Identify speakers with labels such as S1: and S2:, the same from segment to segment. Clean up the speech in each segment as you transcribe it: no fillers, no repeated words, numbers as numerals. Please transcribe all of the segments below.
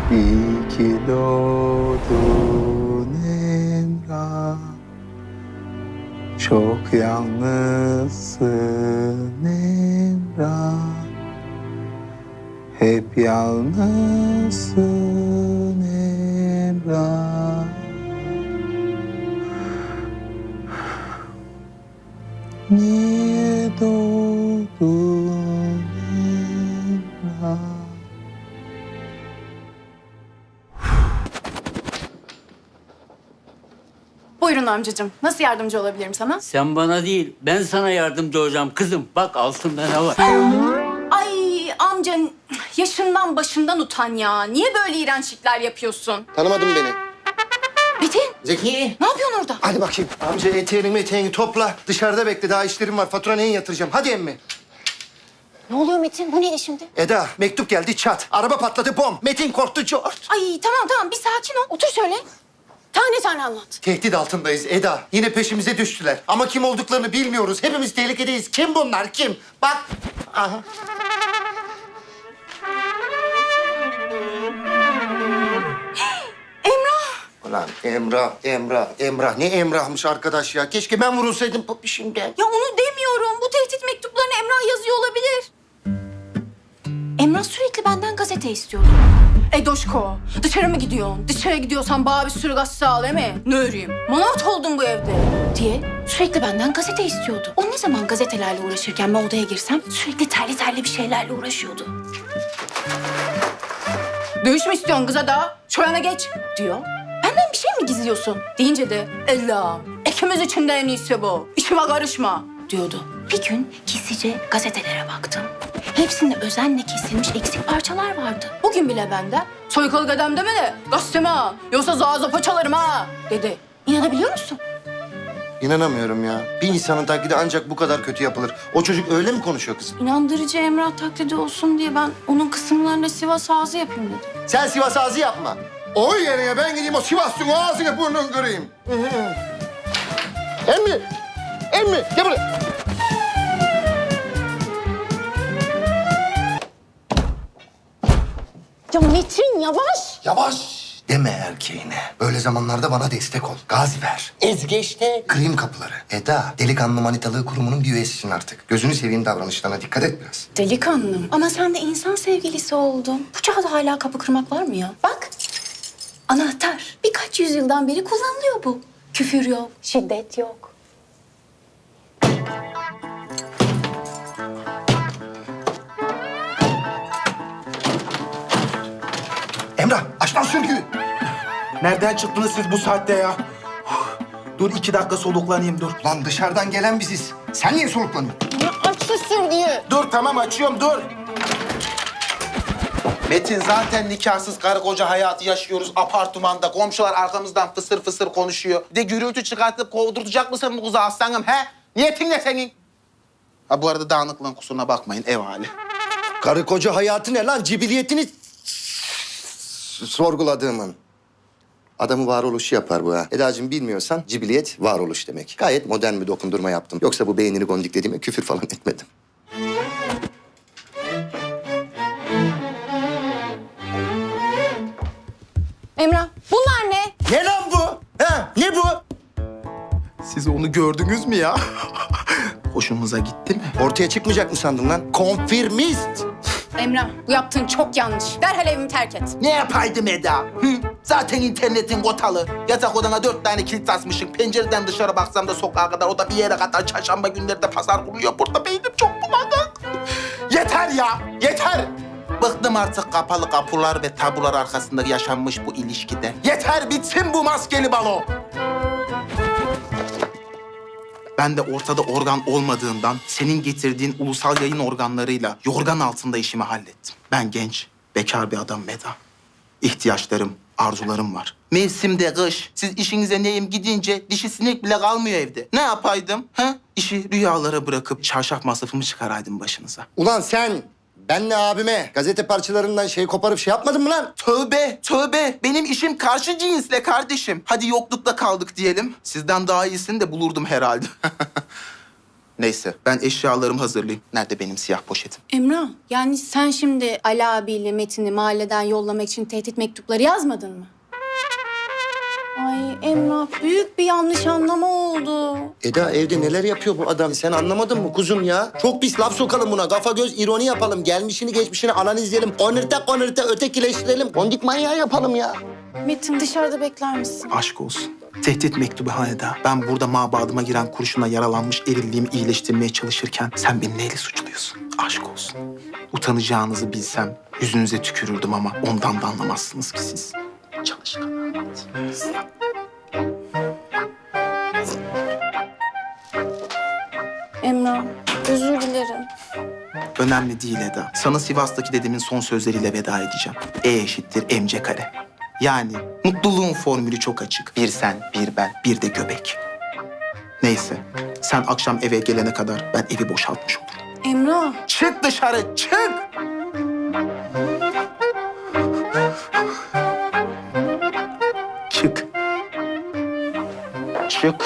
S1: İyi ki doğdun Emrah. Çok yalnızsın Emrah. Hep yalnızsın Emrah. Niye doğdun Emrah?
S2: Buyurun amcacığım. Nasıl yardımcı olabilirim sana?
S3: Sen bana değil, ben sana yardımcı olacağım kızım. Bak altında ne var?
S2: Ay amca yaşından başından utan ya. Niye böyle iğrençlikler yapıyorsun?
S4: Tanımadın beni.
S2: Metin
S4: Zeki.
S2: ne yapıyorsun orada?
S4: Hadi bakayım. Amca eteğini topla. Dışarıda bekle. Daha işlerim var. Fatura neyin yatıracağım? Hadi emmi.
S5: Ne oluyor Metin? Bu neydi şimdi?
S4: Eda, mektup geldi çat. Araba patladı bom. Metin korktu cort.
S2: Ay tamam bir sakin ol.
S5: Otur şöyle. Tane tane anlat.
S4: Tehdit altındayız Eda. Yine peşimize düştüler. Ama kim olduklarını bilmiyoruz. Hepimiz tehlikedeyiz. Kim bunlar? Kim? Bak. Aha.
S2: Emrah.
S4: Ulan Emrah. Ne Emrah'mış arkadaş ya. Keşke ben vurulsaydım popişimden.
S2: Ya onu demiyorum. Bu tehdit mektuplarını Emrah yazıyor olabilir. Emrah sürekli benden gazete istiyordu. Doşko, dışarı mı gidiyorsun? Dışarı gidiyorsan bana bir sürü gazete al, değil mi? Ne öreyim? Manavt oldun bu evde. Diye sürekli benden gazete istiyordu. O ne zaman gazetelerle uğraşırken ben odaya girsem sürekli terli bir şeylerle uğraşıyordu. Dövüş mü istiyorsun kıza da? Şurana geç diyor. Benden bir şey mi gizliyorsun? Deyince de Allah'ım ikimiz için de en iyisi bu. İşime karışma diyordu. Bir gün gizlice gazetelere baktım. Hepsinde özenle kesilmiş eksik parçalar vardı. Bugün bile benden soykalı dedem deme de gazeteme ha. Yoksa zaza paçalarım ha dedi. İnanabiliyor musun?
S4: İnanamıyorum ya. Bir insanın taklidi ancak bu kadar kötü yapılır. O çocuk öyle mi konuşuyor kızım?
S2: İnandırıcı Emrah taklidi olsun diye ben onun kısımlarına Sivas ağzı yapayım dedim.
S4: Sen Sivas ağzı yapma. O yerine ben gideyim o Sivas'ın ağzını burnunu kırayım. Emmi gel buraya.
S5: Ya Metin yavaş.
S4: Yavaş deme erkeğine. Böyle zamanlarda bana destek ol. Gazi ver. Ezge işte. Kırayım kapıları. Eda, delikanlı manitalığı kurumunun bir üyesisin artık. Gözünü seveyim davranışlarına dikkat et biraz.
S2: Delikanlım. Ama sen de insan sevgilisi oldun. Bu çağda hala kapı kırmak var mı ya? Bak. Anahtar. Birkaç yüzyıldan beri kullanılıyor bu. Küfür yok, şiddet yok.
S4: Emrah, aç lan sürgüyü.
S6: Nereden çıktınız siz bu saatte ya? Dur 2 dakika soluklanayım dur.
S4: Lan dışarıdan gelen biziz. Sen niye soluklanıyorsun?
S5: Ya aç şu sürgüyü.
S6: Dur tamam açıyorum dur. Metin zaten nikahsız karı koca hayatı yaşıyoruz apartmanda. Komşular arkamızdan fısır fısır konuşuyor. Bir de gürültü çıkartıp kovdurtacak mısın bu kızı aslanım he? Niyetin ne senin? Ha bu arada dağınıklığın kusuruna bakmayın ev hali.
S4: Karı koca hayatı ne lan? Cibiliyetini sorguladığımın. Adamı varoluşu yapar bu ha. Edacığım bilmiyorsan cibiliyet varoluş demek. Gayet modern bir dokundurma yaptım. Yoksa bu beynini gondiklediğime küfür falan etmedim.
S2: Emrah, bunlar ne?
S4: Ne lan bu? Ha? Ne bu?
S6: Siz onu gördünüz mü ya? Hoşunuza gitti mi?
S4: Ortaya çıkmayacak mı sandın lan? Konfirmist.
S2: Emrah, bu yaptığın çok yanlış. Derhal evimi terk et.
S6: Ne yapaydım Eda? Hı? Zaten internetin kotalı. Yatak odana 4 tane kilit asmışım. Pencereden dışarı baksam da sokağa kadar, o da bir yere kadar. Çarşamba günleri de pazar kuruluyor. Burada beynim çok bulanık. Yeter ya, yeter. Bıktım artık kapalı kapılar ve tabular arkasında yaşanmış bu ilişkide. Yeter, bitsin bu maskeli balo. Ben de ortada organ olmadığından senin getirdiğin ulusal yayın organlarıyla yorgan altında işimi hallettim. Ben genç, bekar bir adam Eda. İhtiyaçlarım, arzularım var. Mevsimde kış. Siz işinize neyim gidince dişi sinek bile kalmıyor evde. Ne yapaydım? Ha? İşi rüyalara bırakıp çarşaf masrafımı çıkaraydım başınıza.
S4: Ulan sen benle abime gazete parçalarından şey koparıp şey yapmadın mı lan?
S6: Tövbe, tövbe. Benim işim karşı cinsle kardeşim. Hadi yoklukta kaldık diyelim. Sizden daha iyisini de bulurdum herhalde. Neyse ben eşyalarımı hazırlayayım. Nerede benim siyah poşetim?
S2: Emrah, yani sen şimdi Ali abiyle Metin'i mahalleden yollamak için tehdit mektupları yazmadın mı? Ay Emrah, büyük bir yanlış anlama oldu.
S4: Eda evde neler yapıyor bu adam? Sen anlamadın mı kuzum ya? Çok pis laf sokalım buna. Kafa göz ironi yapalım. Gelmişini geçmişini analizleyelim. Konırta ötekileştirelim. Kondik manyağı yapalım ya.
S2: Metin, dışarıda bekler misin?
S6: Aşk olsun. Tehdit mektubu ha Eda. Ben burada mabadıma giren kurşuna yaralanmış erilliğimi iyileştirmeye çalışırken sen beni neyle suçluyorsun? Aşk olsun. Utanacağınızı bilsem yüzünüze tükürürdüm ama ondan da anlamazsınız ki siz. Çalışkan.
S2: Emrah, özür dilerim.
S6: Önemli değil Eda. Sana Sivas'taki dedemin son sözleriyle veda edeceğim. E=mc². Yani mutluluğun formülü çok açık. Bir sen, bir ben, bir de göbek. Neyse, sen akşam eve gelene kadar ben evi boşaltmış olurum.
S2: Emrah,
S6: Çık dışarı, çık! Çık. Çık.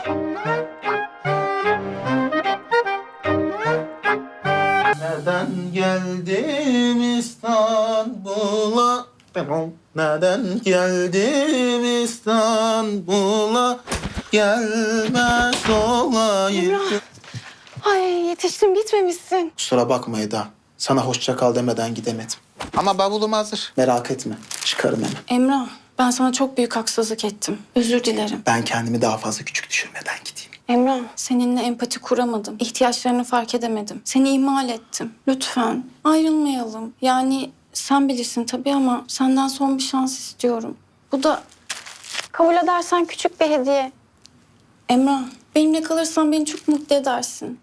S6: Nereden geldim İstanbul'a? Nereden geldim İstanbul'a? Gelmez olayım.
S5: Ay yetiştim gitmemişsin.
S6: Kusura bakma Eda. Sana hoşça kal demeden gidemedim. Ama bavulum hazır. Merak etme. Çıkarım hemen.
S2: Emrah, ben sana çok büyük haksızlık ettim. Özür dilerim.
S6: Ben kendimi daha fazla küçük düşürmeden gideyim.
S2: Emrah, seninle empati kuramadım. İhtiyaçlarını fark edemedim. Seni ihmal ettim. Lütfen ayrılmayalım. Yani sen bilirsin tabii ama senden son bir şans istiyorum. Bu da
S5: Kabul edersen küçük bir hediye.
S2: Emrah, benimle kalırsan beni çok mutlu edersin.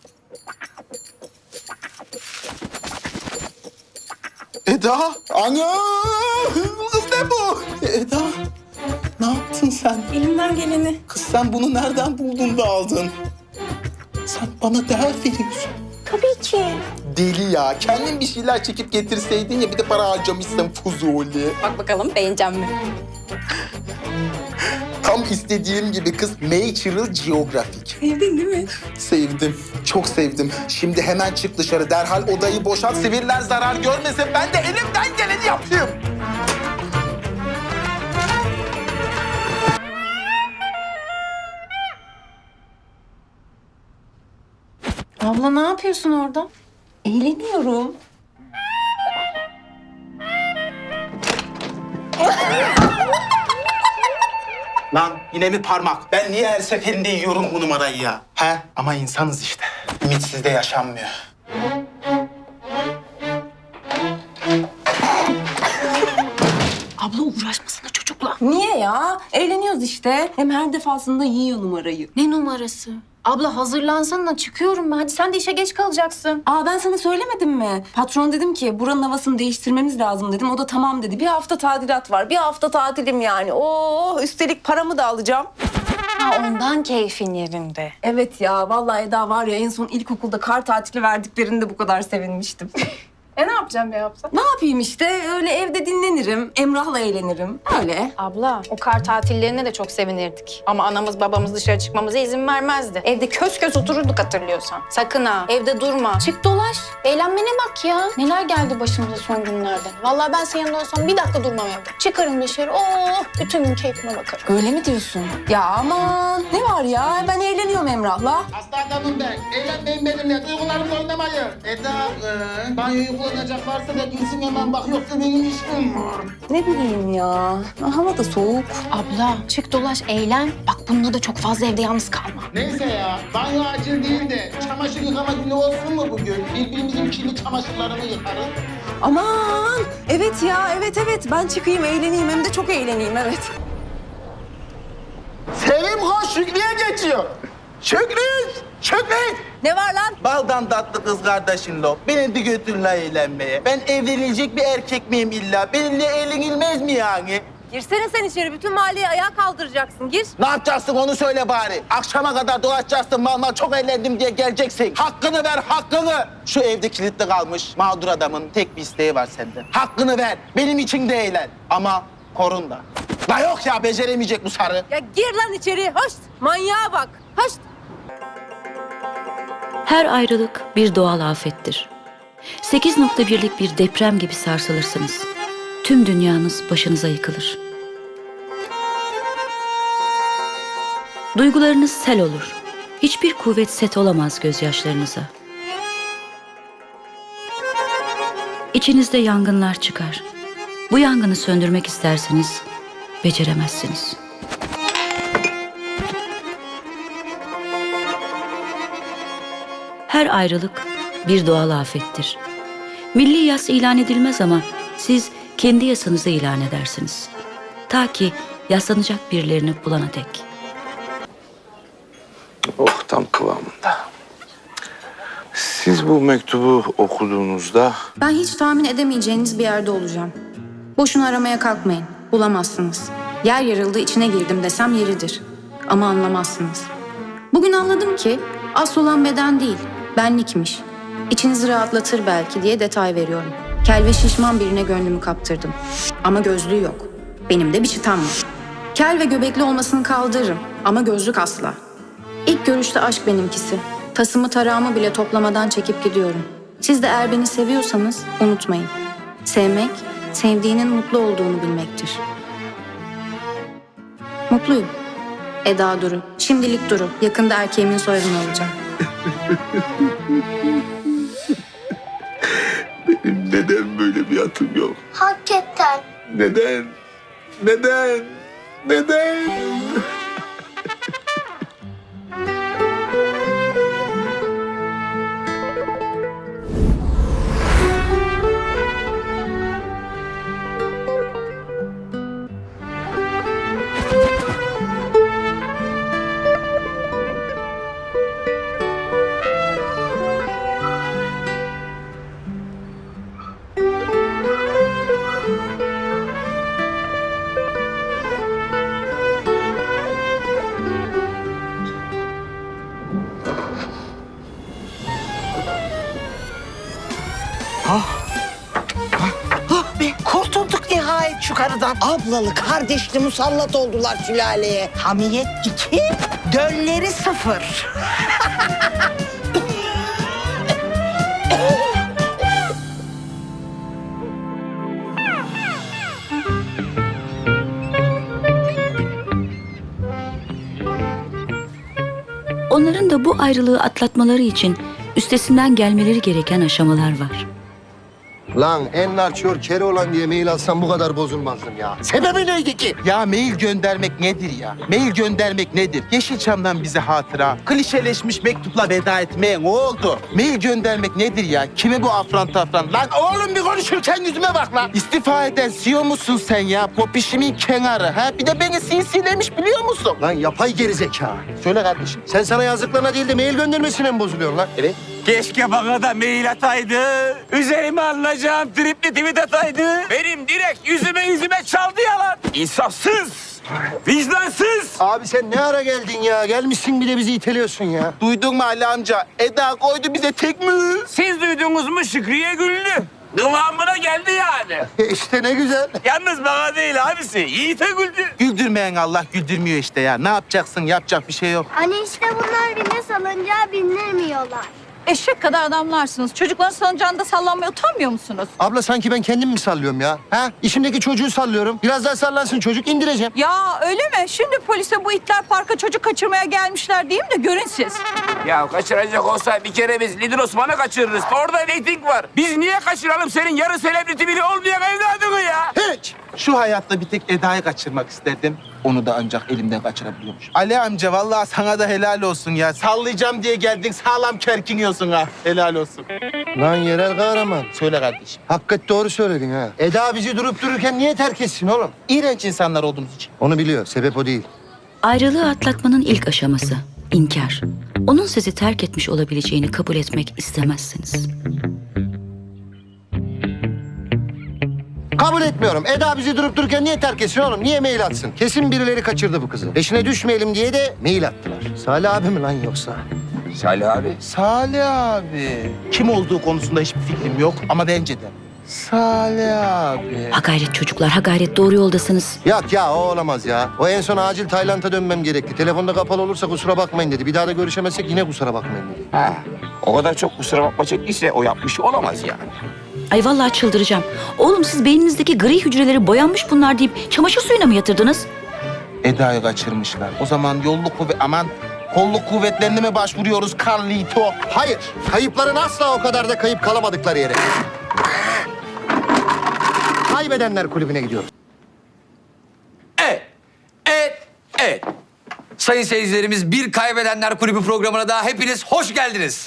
S6: Eda! Ana! Kız ne bu? Eda! Ne yaptın sen?
S2: Elimden geleni.
S6: Kız sen bunu nereden buldun da aldın? Sen bana değer veriyorsun.
S5: Tabii ki.
S6: Deli ya. Kendin bir şeyler çekip getirseydin ya bir de para harcamışsın Fuzuli.
S2: Bak bakalım beğenecek mi?
S6: Tam istediğim gibi kız Natural Geographic.
S2: Sevdin değil mi?
S6: Sevdim. Çok sevdim. Şimdi hemen çık dışarı. Derhal odayı boşalt. Siviller zarar görmesin. Ben de elimden geleni yapayım.
S2: Abla ne yapıyorsun orada?
S7: Eğleniyorum.
S6: Lan yine mi parmak? Ben niye her seferinde yiyorum bu numarayı ya? He? Ama insanız işte. Ümitsizde yaşanmıyor.
S2: Abla uğraşmasana çocukla.
S7: Niye ya? Eğleniyoruz işte. Hem her defasında yiyor numarayı.
S2: Ne numarası? Abla hazırlansana çıkıyorum ben. Hadi sen de işe geç kalacaksın.
S7: Aa ben sana söylemedim mi? Patron dedim ki buranın havasını değiştirmemiz lazım dedim. O da tamam dedi. Bir hafta tadilat var. Bir hafta tatilim yani. Oo üstelik paramı da alacağım.
S5: Ha, ondan keyfin yerinde.
S7: Evet ya vallahi Eda var ya en son ilkokulda kar tatili verdiklerinde bu kadar sevinmiştim.
S2: Ne yapacağım ya abla?
S7: Ne yapayım işte öyle evde dinlenirim. Emrah'la eğlenirim. Öyle.
S2: Abla o kar tatillerine de çok sevinirdik. Ama anamız babamız dışarı çıkmamıza izin vermezdi. Evde kös kös otururduk hatırlıyorsan. Sakın ha evde durma. Çık dolaş. Eğlenmene bak ya. Neler geldi başımıza son günlerde. Vallahi ben senin yanında olsam bir dakika durmam evde. Çıkarım dışarı. Oh bütün gün keyfime bakarım.
S7: Öyle mi diyorsun? Ya aman ne var ya ben eğleniyorum Emrah'la.
S6: Hasta adamım ben. Eğlenmeyin benimle. Duygularımla oynamayın. Eda, banyoyu kullanacak varsa da gitsin hemen bak. Yoksa benim işim var.
S7: Ne bileyim ya. Hava da soğuk.
S2: Abla çık dolaş eğlen. Bak bununla da çok fazla evde yalnız kalma.
S6: Neyse ya. Banyo acil değil de çamaşır yıkama günü olsun mu bugün? Birbirimizin kirli çamaşırlarını yıkarız.
S7: Aman evet ya evet ben çıkayım eğleneyim hem de çok eğleneyim evet.
S6: Sevim hoş Şükrü'ye geçiyor. Şükrü!
S7: Ne var lan?
S6: Baldan tatlı kız kardeşin lo. Beni de götürün la eğlenmeye. Ben evlenilecek bir erkek miyim illa? Benimle eğlenilmez mi yani?
S7: Girsene sen içeri bütün mahalleyi ayağa kaldıracaksın gir.
S6: Ne yapacaksın onu söyle bari. Akşama kadar dolaşacaksın mal çok eğlendim diye geleceksin. Hakkını ver hakkını. Şu evde kilitli kalmış mağdur adamın tek bir isteği var senden. Hakkını ver. Benim için de eğlen. Ama korun da. La yok ya beceremeyecek bu sarı.
S7: Ya gir lan içeri hoş. Manyağa bak hoş.
S8: Her ayrılık bir doğal afettir. 8.1'lik bir deprem gibi sarsılırsınız. Tüm dünyanız başınıza yıkılır. Duygularınız sel olur. Hiçbir kuvvet set olamaz gözyaşlarınıza. İçinizde yangınlar çıkar. Bu yangını söndürmek isterseniz beceremezsiniz. Her ayrılık bir doğal afettir. Milli yas ilan edilmez ama siz kendi yasanızı ilan edersiniz. Ta ki yaslanacak birilerini bulana dek.
S9: Oh, tam kıvamında. Siz bu mektubu okuduğunuzda
S2: Ben hiç tahmin edemeyeceğiniz bir yerde olacağım. Boşuna aramaya kalkmayın. Bulamazsınız. Yer yarıldı içine girdim desem yeridir. Ama anlamazsınız. Bugün anladım ki asıl olan beden değil, benlikmiş. İçinizi rahatlatır belki diye detay veriyorum. Kel ve şişman birine gönlümü kaptırdım. Ama gözlüğü yok. Benim de bir çıtam var. Kel ve göbekli olmasını kaldırırım ama gözlük asla. İlk görüşte aşk benimkisi. Tasımı tarağımı bile toplamadan çekip gidiyorum. Siz de eğer beni seviyorsanız unutmayın. Sevmek, sevdiğinin mutlu olduğunu bilmektir. Mutluyum. Eda Duru. Şimdilik Duru. Yakında erkeğimin soyadını alacağım.
S9: benim neden böyle bir atım yok?
S10: Hakikaten.
S9: Neden? Neden? Neden?
S11: Kurtulduk nihayet şu karıdan. Ablalı kardeşli musallat oldular sülaleye. Hamiyet 2, dölleri 0.
S8: Onların da bu ayrılığı atlatmaları için üstesinden gelmeleri gereken aşamalar var.
S4: Lan Enver Çör Keloğlan diye mail atsam bu kadar bozulmazdım ya. Sebebi neydi ki?
S6: Ya mail göndermek nedir ya? Mail göndermek nedir? Yeşilçam'dan bize hatıra, klişeleşmiş mektupla veda etmeye ne oldu? Mail göndermek nedir ya? Kime bu afran tafran? Lan oğlum bir konuşurken yüzüme bak lan. İstifa eden CEO musun sen ya? Popişimin kenarı ha? Bir de beni sinsilemiş biliyor musun?
S4: Lan yapay gerizekalı.
S6: Söyle kardeşim.
S4: Sen sana yazdıklarına değil de mail göndermesine mi bozuluyorsun lan?
S6: Evet.
S3: Keşke bana da mail ataydı. Üzerime alınacağım tripli tweet ataydı. Benim direkt yüzüme çaldı yalan. İnsafsız, vicdansız.
S4: Abi sen ne ara geldin ya? Gelmişsin bir de bizi iteliyorsun ya.
S6: Duydun mu Ali amca? Eda koydu bize tek mi?
S3: Siz duydunuz mu Şükriye güldü. Kıvamına geldi yani.
S4: İşte ne güzel.
S3: Yalnız bana değil abisi. Yiğit'e güldü.
S6: Güldürmeyen Allah güldürmüyor işte ya. Ne yapacaksın? Yapacak bir şey yok.
S10: Hani işte bunlar bile salıncağa bindirmiyorlar.
S12: Eşek kadar adamlarsınız. Çocukların salıncağında sallanmaya utanmıyor musunuz?
S4: Abla sanki ben kendim mi sallıyorum ya? Ha? İçimdeki çocuğu sallıyorum. Biraz daha sallansın çocuk indireceğim.
S12: Ya öyle mi? Şimdi polise bu itler parka çocuk kaçırmaya gelmişler diyeyim de görün siz.
S3: Ya kaçıracak olsa bir kere biz Lidl Osman'ı kaçırırız. Orada reyting var. Biz niye kaçıralım senin yarı selebriti bile olmayan evladını ya?
S4: Hiç.
S6: Şu hayatta bir tek Eda'yı kaçırmak isterdim. Onu da ancak elimden kaçırabiliyormuş. Ali amca vallahi sana da helal olsun ya. Sallayacağım diye geldin sağlam kerkiniyorsun ha. Helal olsun.
S4: Lan yerel kahraman.
S6: Söyle kardeşim.
S4: Hakikaten doğru söyledin ha. Eda bizi durup dururken niye terk etsin oğlum?
S6: İğrenç insanlar olduğumuz için.
S4: Onu biliyor. Sebep o değil.
S8: Ayrılığı atlatmanın ilk aşaması inkar. Onun sizi terk etmiş olabileceğini kabul etmek istemezsiniz.
S4: Kabul etmiyorum. Eda bizi durup dururken niye terk etsin oğlum? Niye mail atsın? Kesin birileri kaçırdı bu kızı. Peşine düşmeyelim diye de mail attılar. Salih abi mi lan yoksa?
S3: Salih abi.
S6: Salih abi. Kim olduğu konusunda hiçbir fikrim yok ama bence de.
S4: Salih abi.
S8: Ha gayret çocuklar, ha gayret, doğru yoldasınız.
S4: Yok ya, o olamaz ya. O en son acil Tayland'a dönmem gerekti. Telefonda kapalı olursa kusura bakmayın dedi. Bir daha da görüşemezsek yine kusura bakmayın dedi.
S3: Ha, o kadar çok kusura bakma çektiyse o yapmış olamaz yani.
S8: Ay vallahi çıldıracağım. Oğlum siz beyninizdeki gri hücreleri boyanmış bunlar deyip çamaşır suyuna mı yatırdınız?
S6: Eda'yı kaçırmışlar. O zaman kolluk kuvvetlerine mi başvuruyoruz Carlito?
S4: Hayır, kayıpların asla o kadar da kayıp kalamadıkları yere. Kaybedenler kulübüne gidiyoruz.
S13: Evet. Sayın seyircilerimiz, bir Kaybedenler Kulübü programına daha hepiniz hoş geldiniz.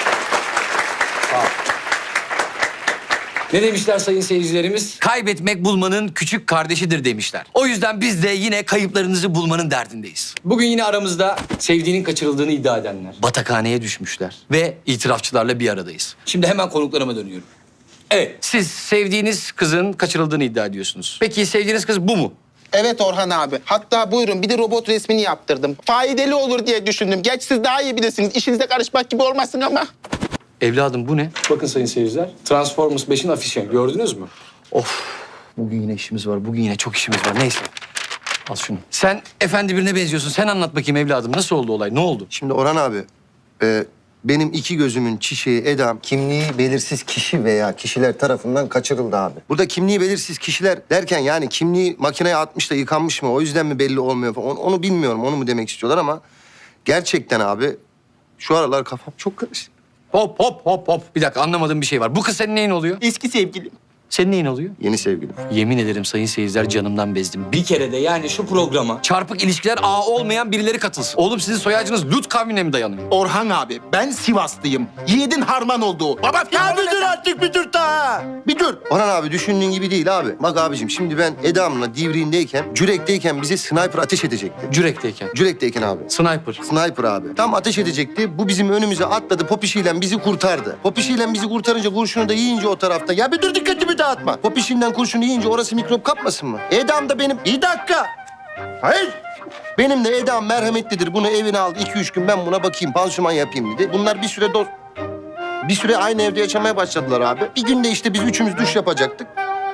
S13: Ne demişler sayın seyircilerimiz? Kaybetmek bulmanın küçük kardeşidir demişler. O yüzden biz de yine kayıplarınızı bulmanın derdindeyiz. Bugün yine aramızda sevdiğinin kaçırıldığını iddia edenler, batakhaneye düşmüşler ve itirafçılarla bir aradayız. Şimdi hemen konuklarıma dönüyorum. Evet, siz sevdiğiniz kızın kaçırıldığını iddia ediyorsunuz. Peki sevdiğiniz kız bu mu?
S6: Evet Orhan abi. Hatta buyurun bir de robot resmini yaptırdım. Faydalı olur diye düşündüm. Geç siz daha iyi bilirsiniz. İşinize karışmak gibi olmasın ama.
S13: Evladım bu ne? Bakın sayın seyirciler, Transformers 5'in afişi. Gördünüz mü? Of, bugün yine işimiz var. Bugün yine çok işimiz var. Neyse. Al şunu. Sen efendi birine benziyorsun. Sen anlat bakayım evladım. Nasıl oldu olay? Ne oldu?
S4: Şimdi Orhan abi, benim iki gözümün çiçeği Eda'm kimliği belirsiz kişi veya kişiler tarafından kaçırıldı abi. Burada kimliği belirsiz kişiler derken yani kimliği makineye atmış da yıkanmış mı o yüzden mi belli olmuyor falan onu bilmiyorum, onu mu demek istiyorlar ama gerçekten abi şu aralar kafam çok karışık.
S13: Hop. Bir dakika, anlamadığım bir şey var. Bu kız senin neyin oluyor?
S6: Eski sevgilim.
S13: Senin neyin oluyor?
S4: Yeni sevgilim.
S13: Yemin ederim sayın seyirciler, canımdan bezdim. Bir kere de yani şu programa çarpık ilişkiler ağı olmayan birileri katılsın. Oğlum sizin soyacınız Lut kavmine mi dayanıyor?
S6: Orhan abi ben Sivaslıyım. Yiğidin harman olduğu. Baba
S4: Ya bir dur artık, bir dur daha. Bir dur. Orhan abi düşündüğün gibi değil abi. Bak abicim şimdi ben Eda'mla Divriğindeyken, Cürek'teyken bize sniper ateş edecekti. Cürek'teyken abi. Sniper abi. Tam ateş edecekti. Bu bizim önümüze atladı. Popişiyle bizi kurtardı. Popişiyle bizi kurtarınca kurşunu da yiyince o tarafta. Ya bir dur, dikkatimi dağıtma. Popişinden kurşunu yiyince orası mikrop kapmasın mı? Eda'm da benim... Bir dakika. Hayır. Benim de Eda'm merhametlidir. Bunu evine aldı. 2-3 gün ben buna bakayım, pansuman yapayım dedi. Bunlar bir süre aynı evde yaşamaya başladılar abi. Bir gün de işte biz üçümüz duş yapacaktık.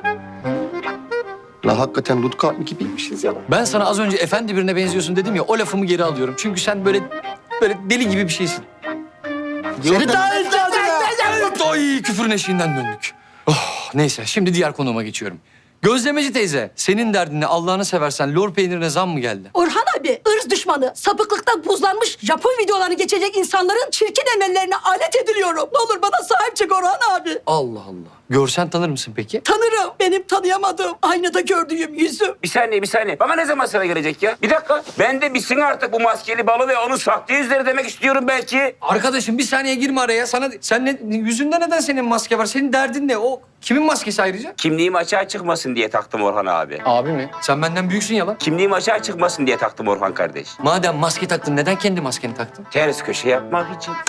S4: La hakikaten Lutka gibiymişiz ya.
S13: Ben sana az önce efendi birine benziyorsun dedim ya, o lafımı geri alıyorum. Çünkü sen böyle deli gibi bir şeysin.
S4: Seni daha
S13: Ay, küfürün eşiğinden döndük. Oh, neyse, şimdi diğer konuma geçiyorum. Gözlemeci teyze, senin derdin ne? Allah'ını seversen lor peynirine zam mı geldi?
S12: Orhan abi ırz düşmanı, sapıklıktan buzlanmış Japon videolarını geçecek insanların çirkin emellerine alet ediliyorum. Ne olur bana sahip çık Orhan abi.
S13: Allah Allah. Görsen tanır mısın peki?
S12: Tanırım. Benim tanıyamadığım, aynada gördüğüm yüzüm.
S3: Bir saniye. Bana ne zaman sıra gelecek ya? Bir dakika. Ben de bitsin artık bu maskeli balı ve onun sahte yüzleri demek istiyorum belki.
S13: Arkadaşım bir saniye girme araya. Yüzünde neden senin maske var? Senin derdin ne? O kimin maskesi ayrıca?
S3: Kimliğim açığa çıkmasın diye taktım Orhan abi.
S13: Abi mi? Sen benden büyüksün ya lan.
S3: Kimliğim açığa çıkmasın diye taktım Orhan kardeş.
S13: Madem maske taktın, neden kendi maskeni taktın?
S3: Ters köşe yapmak için.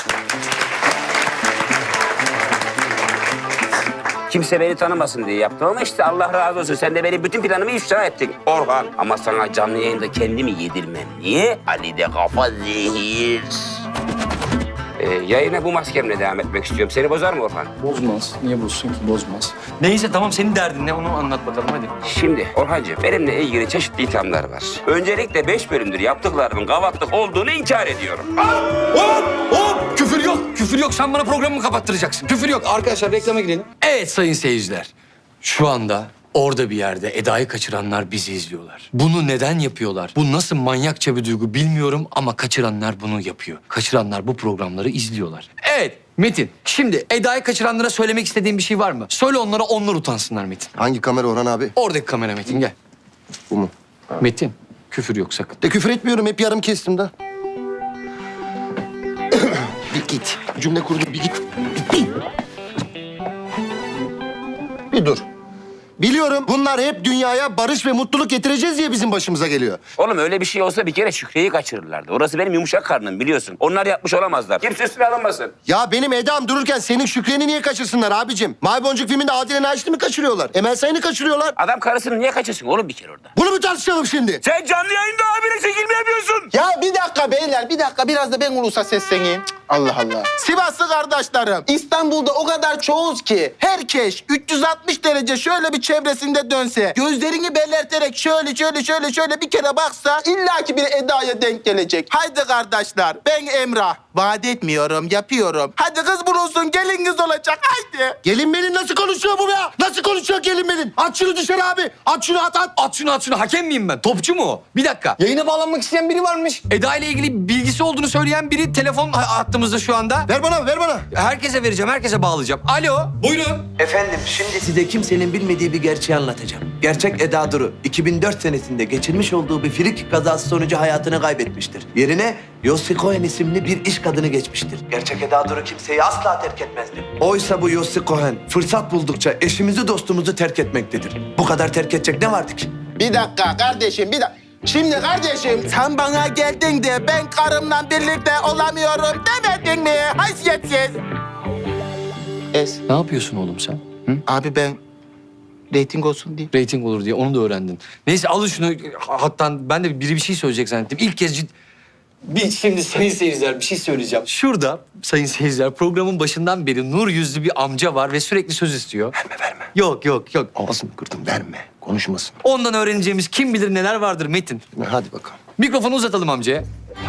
S3: Kimse beni tanımasın diye yaptım ama işte Allah razı olsun. Sen de benim bütün planımı ifşa ettin Orhan. Ama sana canlı yayında kendimi yedirmem. Niye? Ali'de kafa zehir. Yayına bu maskemle devam etmek istiyorum. Seni bozar mı Orhan?
S13: Bozmaz. Niye bozsun ki? Bozmaz. Neyse tamam, senin derdin ne? Onu anlat bakalım hadi.
S3: Şimdi Orhancığım, benimle ilgili çeşitli ithamlar var. Öncelikle 5 bölümdür yaptıklarımın gavatlık olduğunu inkar ediyorum.
S13: Hop! Küfür yok. Sen bana programımı kapattıracaksın. Küfür yok. Arkadaşlar reklama girelim. Evet sayın seyirciler. Şu anda orada bir yerde Eda'yı kaçıranlar bizi izliyorlar. Bunu neden yapıyorlar? Bu nasıl manyakça bir duygu bilmiyorum ama kaçıranlar bunu yapıyor. Kaçıranlar bu programları izliyorlar. Evet Metin, şimdi Eda'yı kaçıranlara söylemek istediğin bir şey var mı? Söyle onlara, onlar utansınlar Metin.
S4: Hangi kamera Orhan abi?
S13: Oradaki kamera Metin, gel.
S4: Bu mu?
S13: Metin, küfür yok sakın.
S4: De küfür etmiyorum, hep yarım kestim de. Bir git. Cümle kurdum, bir git. Bir dur. Biliyorum bunlar hep dünyaya barış ve mutluluk getireceğiz diye bizim başımıza geliyor.
S3: Oğlum öyle bir şey olsa bir kere Şükriye'yi kaçırırlardı. Orası benim yumuşak karnım biliyorsun. Onlar yapmış olamazlar. Kimse üstüne alınmasın.
S4: Ya benim Eda'm dururken senin Şükriye'ni niye kaçırsınlar abicim? Mavi Boncuk filminde Adile Naşit'i mi kaçırıyorlar? Emel Sayın'ı kaçırıyorlar.
S3: Adam karısını niye kaçırsın oğlum bir kere orada?
S4: Bunu mu tartışalım şimdi?
S3: Sen canlı yayında abine çekilme yapıyorsun.
S6: Ya bir dakika beyler, bir dakika. Biraz da ben ulusa sesleneyim. Cık, Allah Allah. Sivaslı kardeşlerim, İstanbul'da o kadar çoğuz ki herkes 360 derece şöyle bir çevresinde dönse, gözlerini belirterek şöyle bir kere baksa illaki bir Eda'ya denk gelecek. Haydi kardeşler, ben Emrah. Vaat etmiyorum, yapıyorum. Hadi kız bulunsun, gelin kız olacak, haydi.
S4: Gelin benim nasıl konuşuyor bu ya? Nasıl konuşuyor gelin benim? At şunu dışarı abi. At şunu at.
S13: At şunu. Hakem miyim ben? Topçu mu o? Bir dakika. Yayına bağlanmak isteyen biri varmış. Eda ile ilgili bilgisi olduğunu söyleyen biri telefon hattımızda şu anda.
S4: Ver bana.
S13: Herkese vereceğim, herkese bağlayacağım. Alo, buyurun.
S14: Efendim şimdi size kimsenin bilmediği bir gerçeği anlatacağım. Gerçek Eda Duru 2004 senesinde geçirmiş olduğu bir frik kazası sonucu hayatını kaybetmiştir. Yerine Yossi Cohen isimli bir iş kadını geçmiştir. Gerçek Eda Duru kimseyi asla terk etmezdi. Oysa bu Yossi Cohen fırsat buldukça eşimizi dostumuzu terk etmektedir. Bu kadar terk edecek ne vardı ki?
S6: Bir dakika kardeşim, bir dakika. Şimdi kardeşim sen bana geldin de ben karımla birlikte olamıyorum demedin mi? Haysiyetsiz.
S13: Ne yapıyorsun oğlum sen?
S6: Abi ben reyting olsun diye.
S13: Rating olur diye onu da öğrendin. Neyse alın şunu. Hatta ben de biri bir şey söyleyecek zannettim. İlk kez şimdi sayın seyirciler bir şey söyleyeceğim. Şurada sayın seyirciler programın başından beri nur yüzlü bir amca var ve sürekli söz istiyor.
S4: Verme.
S13: Yok.
S4: Ağzını kırdım verme. Konuşmasın.
S13: Ondan öğreneceğimiz kim bilir neler vardır Metin.
S4: Hadi bakalım.
S13: Mikrofonu uzatalım amcaya.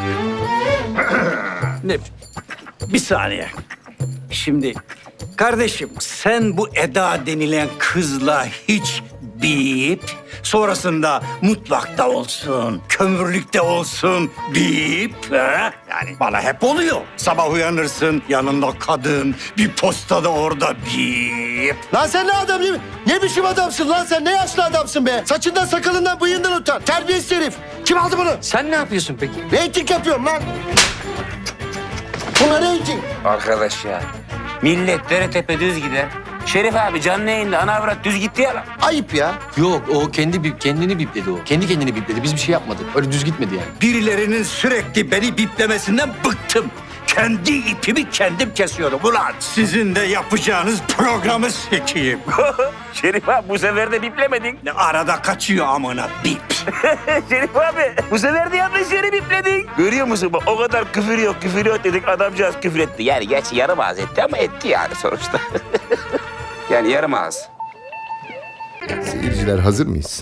S3: Bir saniye. Şimdi kardeşim sen bu Eda denilen kızla hiç bip, sonrasında mutfakta olsun, kömürlükte olsun bip. Ha? Yani bana hep oluyor. Sabah uyanırsın yanında kadın, bir postada orada bip.
S4: Lan sen ne adam değil mi? Ne biçim adamsın lan sen? Ne yaşlı adamsın be? Saçından sakalından bıyığından utan. Terbiyesiz herif. Kim aldı bunu?
S13: Sen ne yapıyorsun peki?
S4: Reyting yapıyorum lan. Buna reyting.
S3: Arkadaş ya, millet dere tepe düz gider. Şerif abi canlı yayında ana avrat düz gitti ya lan.
S4: Ayıp ya.
S13: Yok o kendini bipledi o. Kendi kendini bipledi. Biz bir şey yapmadık. Öyle düz gitmedi yani.
S3: Birilerinin sürekli beni biplemesinden bıktım. Kendi ipimi kendim kesiyorum ulan. Sizin de yapacağınız programı sekeyim. Şerif abi bu sefer de biplemedin. Ne arada kaçıyor amına bip. Şerif abi bu sefer de yanlış yeri bipledin. Görüyor musun bak o kadar küfür yok dedik adamcağız küfür etti. Yani gerçi yarım ağız etti ama etti yani sonuçta. Yani yarım ağız.
S9: Seyirciler hazır mıyız?